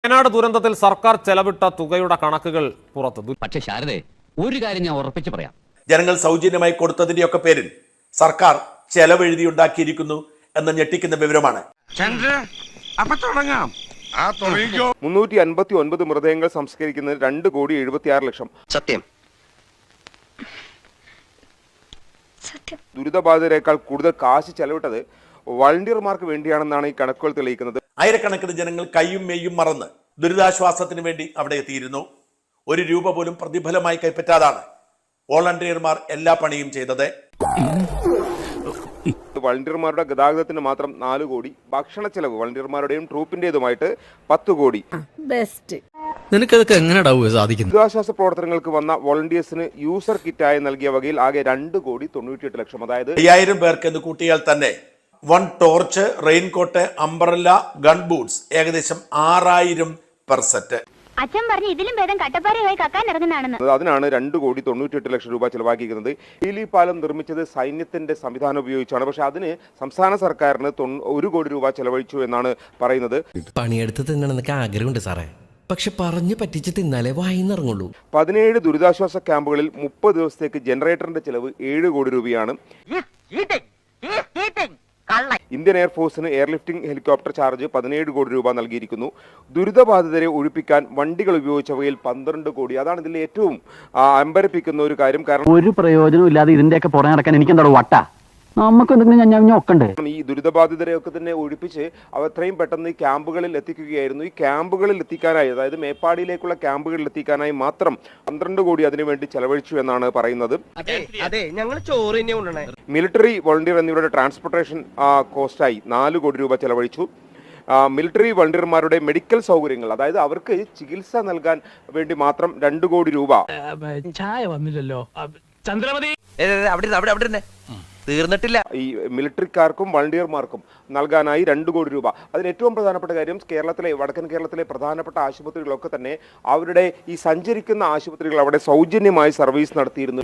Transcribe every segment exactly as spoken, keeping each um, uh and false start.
വയനാട് ദുരന്തത്തിൽ സർക്കാർ ചെലവിട്ട തുകയുടെ കണക്കുകൾ പുറത്തു. പക്ഷേ ശാരദേ, ഒരു കാര്യം ഞാൻ ഉറപ്പിച്ച് പറയാം. ജനങ്ങൾ സൗജന്യമായി കൊടുത്തതിന്റെയൊക്കെ പേരിൽ സർക്കാർ ചെലവെഴുതിയുണ്ടാക്കിയിരിക്കുന്നു എന്ന ഞെട്ടിക്കുന്ന വിവരമാണ്. മുന്നൂറ്റി അൻപത്തി ഒൻപത് മൃതദേഹങ്ങൾ സംസ്കരിക്കുന്നത് രണ്ട് കോടി എഴുപത്തി ആറ് ലക്ഷം. സത്യം. ദുരിതബാധിതരെക്കാൾ കൂടുതൽ കാശ് ചെലവിട്ടത് വളണ്ടിയർമാർക്ക് വേണ്ടിയാണെന്നാണ് ഈ കണക്കുകൾ തെളിയിക്കുന്നത്. ആയിരക്കണക്കിന് ജനങ്ങൾ കയ്യും മെയ്യും മറന്ന് ദുരിതാശ്വാസത്തിന് വേണ്ടി അവിടെ എത്തിയിരുന്നു. ഒരു രൂപ പോലും പ്രതിഫലമായി കൈപ്പറ്റാതാണ് വോളണ്ടിയർമാർ എല്ലാ പണിയും ചെയ്തത്. വളണ്ടിയർമാരുടെ ഗതാഗതത്തിന് മാത്രം നാല് കോടി, ഭക്ഷണ ചെലവ് വളണ്ടിയർമാരുടെയും ട്രൂപ്പിന്റേതുമായിട്ട് പത്ത് കോടി. നിനക്കതൊക്കെ എങ്ങനെയാ സാധിക്കുന്നത്? ദുരിതാശ്വാസ പ്രവർത്തനങ്ങൾക്ക് വന്ന വോളണ്ടിയേഴ്സിന് യൂസർ കിറ്റായി നൽകിയ വകയിൽ ആകെ രണ്ട് കോടി തൊണ്ണൂറ്റിയെട്ട് ലക്ഷം. അതായത് അയ്യായിരം പേർക്ക് എന്ന് കൂട്ടിയാൽ തന്നെ one torch, raincoat, umbrella, gun boots ഏകദേശം ആറായിരം പെർ സെറ്റ്. അച്ഛൻ പറഞ്ഞു ഇതിലും ഭേദം കട്ടപ്പാറയായി കക്കാൻ ഇറങ്ങുന്നതാണെന്ന്. അതിനാണ് രണ്ട് കോടി തൊണ്ണൂറ്റിയെട്ട് ലക്ഷം രൂപ ചെലവാക്കിയിരിക്കുന്നത്. ഹീലി പാലം നിർമ്മിച്ചത് സൈന്യത്തിന്റെ സംവിധാനം ഉപയോഗിച്ചാണ്. പക്ഷെ അതിന് സംസ്ഥാന സർക്കാരിന് ഒരു കോടി രൂപ ചെലവഴിച്ചു എന്നാണ് പറയുന്നത്. പണിയെടുത്ത് തിന്നണമെന്നൊക്കെ ആഗ്രഹമുണ്ട് സാറേ, പക്ഷെ പറഞ്ഞു പറ്റിച്ച് തിന്നാലേ വായിന്നിറങ്ങുള്ളൂ. പതിനേഴ് ദുരിതാശ്വാസ ക്യാമ്പുകളിൽ മുപ്പത് ദിവസത്തേക്ക് ജനറേറ്ററിന്റെ ചെലവ് ഏഴ് കോടി രൂപയാണ്. ഇന്ത്യൻ എയർഫോഴ്സിന് എയർലിഫ്റ്റിംഗ് ഹെലികോപ്റ്റർ ചാർജ് പതിനേഴ് കോടി രൂപ നൽകിയിരിക്കുന്നു. ദുരിതബാധിതരെ ഒഴിപ്പിക്കാൻ വണ്ടികൾ ഉപയോഗിച്ചവയിൽ പന്ത്രണ്ട് കോടി. അതാണ് ഇതിൽ ഏറ്റവും അമ്പരപ്പിക്കുന്ന ഒരു കാര്യം. കാരണം ഒരു പ്രയോജനം ഇല്ലാതെ ഇതിന്റെയൊക്കെ പുറകെ നടക്കാൻ എനിക്ക് എന്താ വട്ട, നമുക്ക് എന്തെങ്കിലും ഒക്കണ്ടേ? ഈ ദുരിതബാധിതരെയൊക്കെ തന്നെ ഒഴിപ്പിച്ച് അവ എത്രയും പെട്ടെന്ന് ഈ ക്യാമ്പുകളിൽ എത്തിക്കുകയായിരുന്നു. ഈ ക്യാമ്പുകളിൽ എത്തിക്കാനായി, അതായത് മേപ്പാടിയിലേക്കുള്ള ക്യാമ്പുകളിൽ എത്തിക്കാനായി മാത്രം പന്ത്രണ്ട് കോടി അതിനുവേണ്ടി ചെലവഴിച്ചു എന്നാണ് പറയുന്നത്. മിലിറ്ററി വോളണ്ടിയർ എന്നിവരുടെ ട്രാൻസ്പോർട്ടേഷൻ കോസ്റ്റായി നാല് കോടി രൂപ ചെലവഴിച്ചു. മിലിറ്ററി വോളണ്ടിയർമാരുടെ മെഡിക്കൽ സൗകര്യങ്ങൾ, അതായത് അവർക്ക് ചികിത്സ നൽകാൻ വേണ്ടി മാത്രം രണ്ട് കോടി രൂപ. ചായ വന്നില്ലല്ലോ ചന്ദ്രമതി, തീർന്നിട്ടില്ല. ഈ മിലിറ്ററിക്കാർക്കും വോളണ്ടിയർമാർക്കും നൽകാനായി രണ്ട് കോടി രൂപ. അതിന് ഏറ്റവും പ്രധാനപ്പെട്ട കാര്യം, കേരളത്തിലെ വടക്കൻ കേരളത്തിലെ പ്രധാനപ്പെട്ട ആശുപത്രികളൊക്കെ തന്നെ അവരുടെ ഈ സഞ്ചരിക്കുന്ന ആശുപത്രികൾ അവിടെ സൗജന്യമായി സർവീസ് നടത്തിയിരുന്നു.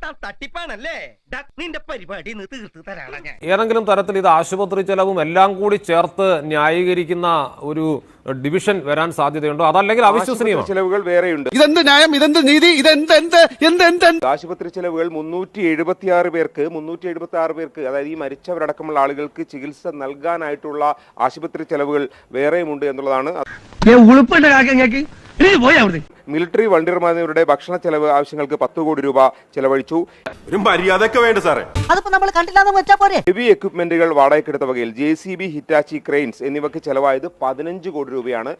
ഏതെങ്കിലും തരത്തിൽ ഇത് ആശുപത്രി ചെലവും എല്ലാം കൂടി ചേർത്ത് ന്യായീകരിക്കുന്ന ഒരു ഡിവിഷൻ വരാൻ സാധ്യതയുണ്ടോ? അതല്ലെങ്കിൽ അവിശ്വസനീയമാണ്. ചെലവുകൾ വേറെയുണ്ട്. ഇതെന്ത് ന്യായം, ഇതെന്ത് നീതി, ഇതെന്ത് എന്ത് എന്ത് എന്ത് ആശുപത്രി ചെലവുകൾ മുന്നൂറ്റി എഴുപത്തി ആറ് പേർക്ക് മുന്നൂറ്റി എഴുപത്തി ആറ് പേർക്ക് അതായത് ഈ മരിച്ചവരടക്കമുള്ള ആളുകൾക്ക് ചികിത്സ നൽകാനായിട്ടുള്ള ആശുപത്രി ചെലവുകൾ വേറെയുമുണ്ട് എന്നുള്ളതാണ്. മിലിറ്ററി വോളണ്ടിയർമാരുടെ ഭക്ഷണ ചെലവ് ആവശ്യങ്ങൾക്ക് പത്ത് കോടി രൂപ ചെലവഴിച്ചു. ഹെവി എക്വിപ്മെന്റുകൾ വാടകയ്ക്കെടുത്ത വകയിൽ J C B, Hitachi, cranes എന്നിവയ്ക്ക് ചെലവായത് പതിനഞ്ച് കോടി രൂപയാണ്.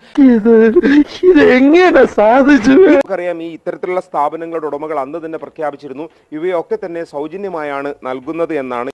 നമുക്കറിയാം, ഈ ഇത്തരത്തിലുള്ള സ്ഥാപനങ്ങളുടെ ഉടമകൾ അന്ന് തന്നെ പ്രഖ്യാപിച്ചിരുന്നു ഇവയൊക്കെ തന്നെ സൗജന്യമായാണ് നൽകുന്നത് എന്നാണ്.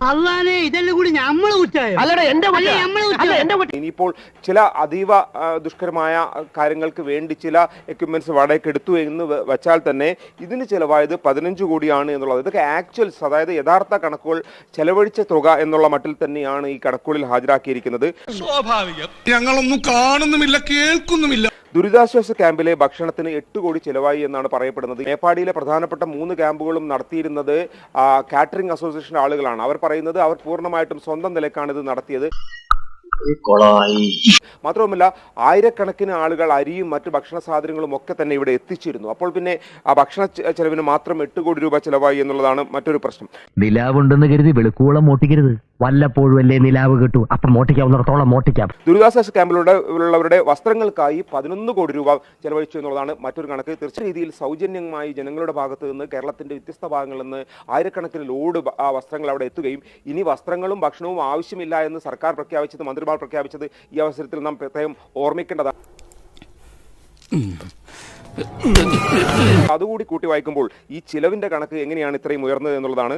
ഇനിയിപ്പോൾ ചില അതീവ ദുഷ്കരമായ കാര്യങ്ങൾക്ക് വേണ്ടി ചില എക്യുപ്മെന്റ്സ് വാടകയ്ക്ക് എടുത്തു എന്ന് വെച്ചാൽ തന്നെ ഇതിന് ചെലവായത് പതിനഞ്ച് കോടിയാണ് എന്നുള്ളത്. ഇതൊക്കെ ആക്ച്വൽസ്, അതായത് യഥാർത്ഥ കണക്കുകൾ, ചെലവഴിച്ച തുക എന്നുള്ള മട്ടിൽ തന്നെയാണ് ഈ കണക്കുകളിൽ ഹാജരാക്കിയിരിക്കുന്നത്. സ്വാഭാവികം, ഞങ്ങളൊന്നും കാണുന്നുമില്ല കേൾക്കുന്നുമില്ല. ദുരിതാശ്വാസ ക്യാമ്പിലെ ഭക്ഷണത്തിന് എട്ട് കോടി ചെലവായി എന്നാണ് പറയപ്പെടുന്നത്. മേപ്പാടിയിലെ പ്രധാനപ്പെട്ട മൂന്ന് ക്യാമ്പുകളും നടത്തിയിരുന്നത് കാറ്ററിംഗ് അസോസിയേഷൻ ആളുകളാണ്. അവർ പറയുന്നത് അവർ പൂർണ്ണമായിട്ടും സ്വന്തം നിലക്കാണ് ഇത് നടത്തിയത്. മാത്രവുമല്ല, ആയിരക്കണക്കിന് ആളുകൾ അരിയും മറ്റു ഭക്ഷണ സാധനങ്ങളും ഒക്കെ തന്നെ ഇവിടെ എത്തിച്ചിരുന്നു. അപ്പോൾ പിന്നെ ആ ഭക്ഷണ ചെലവിന് മാത്രം എട്ട് കോടി രൂപ ചെലവായി എന്നുള്ളതാണ് മറ്റൊരു പ്രശ്നം. നിലാവുണ്ടെന്ന് കരുതി വെളുക്കോളം മോട്ടിക്കരുത്, വല്ലപ്പോഴും അല്ലേ നിലാവ് കിട്ടൂ, അപ്പം മോട്ടിക്കാവുന്നിടത്തോളം മോട്ടിക്കാം. ദുരിതാശ്വാസ ക്യാമ്പിലൂടെ ഉള്ളവരുടെ വസ്ത്രങ്ങൾക്കായി പതിനൊന്ന് കോടി രൂപ ചെലവഴിച്ചു എന്നുള്ളതാണ് മറ്റൊരു കണക്ക്. തീർച്ചയായും രീതിയിൽ സൗജന്യമായി ജനങ്ങളുടെ ഭാഗത്ത് നിന്ന് കേരളത്തിന്റെ വ്യത്യസ്ത ഭാഗങ്ങളിൽ നിന്ന് ആയിരക്കണക്കിന് ലോഡ് വസ്ത്രങ്ങൾ അവിടെ എത്തുകയും ഇനി വസ്ത്രങ്ങളും ഭക്ഷണവും ആവശ്യമില്ല എന്ന് സർക്കാർ പ്രഖ്യാപിച്ചത്, മന്ത്രിമാർ പ്രഖ്യാപിച്ചത് ഈ അവസരത്തിൽ നാം പ്രത്യേകം ഓർമ്മിക്കേണ്ടതാണ്. അതുകൂടി കൂട്ടി വായിക്കുമ്പോൾ ഈ ചിലവിന്റെ കണക്ക് എങ്ങനെയാണ് ഇത്രയും ഉയർന്നത് എന്നുള്ളതാണ്.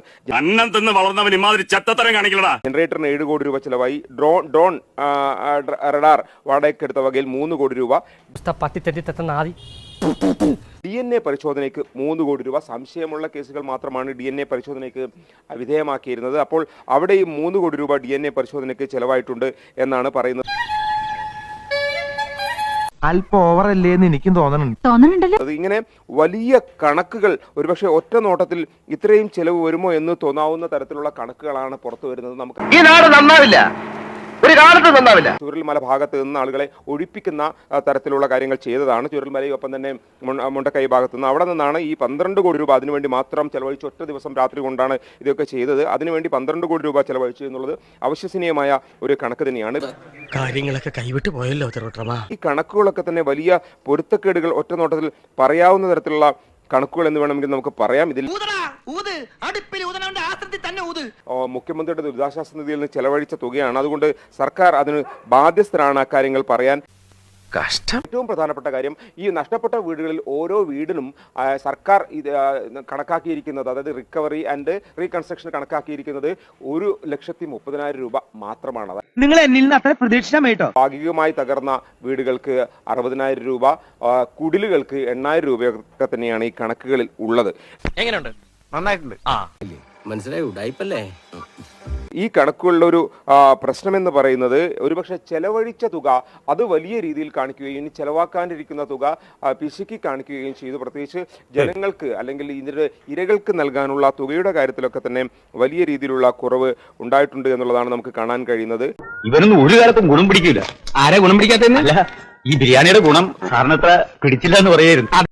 ജനറേറ്ററിന് ഏഴ് കോടി രൂപ ചിലവായി. ഡ്രോൺ ഡ്രോൺ റഡാർ വാടകയ്ക്കെടുത്ത വകയിൽ മൂന്ന് കോടി രൂപ. ഡി എൻ എ പരിശോധനയ്ക്ക് മൂന്ന് കോടി രൂപ. സംശയമുള്ള കേസുകൾ മാത്രമാണ് ഡി എൻ എ പരിശോധനയ്ക്ക് വിധേയമാക്കിയിരുന്നത്. അപ്പോൾ അവിടെയും മൂന്ന് കോടി രൂപ ഡി എൻ എ പരിശോധനയ്ക്ക് ചെലവായിട്ടുണ്ട് എന്നാണ് പറയുന്നത്. അല്പം ഓവറല്ലേ എന്ന് എനിക്കും തോന്നുന്നുണ്ട്. അത് ഇങ്ങനെ വലിയ കണക്കുകൾ ഒരുപക്ഷെ ഒറ്റ നോട്ടത്തിൽ ഇത്രയും ചെലവ് വരുമോ എന്ന് തോന്നാവുന്ന തരത്തിലുള്ള കണക്കുകളാണ് പുറത്തു വരുന്നത്. നമുക്ക് ഈ നാട് നന്നാവില്ല, ഒരു കാലത്ത് നന്നാവില്ല. ചുരൽമല ഭാഗത്ത് നിന്ന് ആളുകളെ ഒഴിപ്പിക്കുന്ന ആ, തരത്തിലുള്ള കാര്യങ്ങൾ ചെയ്തതാണ്. ചുരൽമലയൊപ്പം തന്നെ മുണ്ട- മുണ്ടക്കൈ ഭാഗത്ത് നിന്ന് അവിടെ നിന്നാണ് ഈ പന്ത്രണ്ട് കോടി രൂപ അതിനുവേണ്ടി മാത്രം ചെലവഴിച്ച് ഒറ്റ ദിവസം രാത്രി കൊണ്ടാണ് ഇതൊക്കെ ചെയ്തത്. അതിനുവേണ്ടി പന്ത്രണ്ട് കോടി രൂപ ചെലവഴിച്ചു എന്നുള്ളത് അവിശ്വസനീയമായ ഒരു കണക്ക് തന്നെയാണ്. കാര്യങ്ങളൊക്കെ കൈവിട്ട് പോയല്ലോ തിരുവട്ടമാ. ഈ കണക്കുകളൊക്കെ തന്നെ വലിയ പൊരുത്തക്കേടുകൾ ഒറ്റ നോട്ടത്തിൽ പറയാവുന്ന തരത്തിലുള്ള കണക്കുകൾ എന്ന് വേണമെങ്കിൽ നമുക്ക് പറയാം. ഇതിൽ ഓ, മുഖ്യമന്ത്രിയുടെ ദുരിതാശ്വാസ നിധിയിൽ നിന്ന് ചെലവഴിച്ച തുകയാണ്. അതുകൊണ്ട് സർക്കാർ അതിന് ബാധ്യസ്ഥരാണ് അക്കാര്യങ്ങൾ പറയാൻ. കഷ്ടം. ഏറ്റവും പ്രധാനപ്പെട്ട കാര്യം, ഈ നഷ്ടപ്പെട്ട വീടുകളിൽ ഓരോ വീടിനും ആ, സർക്കാർ ഇത് ആ, കണക്കാക്കിയിരിക്കുന്നത്, അതായത് റിക്കവറി ആൻഡ് റീകൺസ്ട്രക്ഷൻ കണക്കാക്കിയിരിക്കുന്നത് ഒരു ലക്ഷത്തി മുപ്പതിനായിരം രൂപ മാത്രമാണ്. നിങ്ങൾ എന്നിൽ നിന്ന് അത്ര പ്രതീക്ഷിച്ചാമേട്ടോ. ഭാഗികമായി തകർന്ന വീടുകൾക്ക് അറുപതിനായിരം രൂപ, ആ, കുടിലുകൾക്ക് എണ്ണായിരം രൂപയൊക്കെ തന്നെയാണ് ഈ കണക്കുകളിൽ ഉള്ളത്. എങ്ങനെയുണ്ട്? നന്നായിട്ടുണ്ട്. ആ മനസ്സിലായി ഉടായിപ്പല്ലേ. ഈ കണക്കുകളുടെ ഒരു ആ, പ്രശ്നമെന്ന് പറയുന്നത് ഒരുപക്ഷെ ചെലവഴിച്ച തുക അത് വലിയ രീതിയിൽ കാണിക്കുകയും ഇനി ചെലവാക്കാനിരിക്കുന്ന തുക ആ, പിശുക്കി കാണിക്കുകയും ചെയ്തു. പ്രത്യേകിച്ച് ജനങ്ങൾക്ക് അല്ലെങ്കിൽ ഇതിന്റെ ഇരകൾക്ക് നൽകാനുള്ള തുകയുടെ കാര്യത്തിലൊക്കെ തന്നെ വലിയ രീതിയിലുള്ള കുറവ് ഉണ്ടായിട്ടുണ്ട് എന്നുള്ളതാണ് നമുക്ക് കാണാൻ കഴിയുന്നത്. ഇവനൊന്നും ഒരു കാലത്തും ഗുണം പിടിക്കില്ല. ആരെ ഗുണം പിടിക്കാത്ത ഈ ബിരിയാണിയുടെ ഗുണം സാറിനത്ര പിടിച്ചില്ല എന്ന് പറയായിരുന്നു.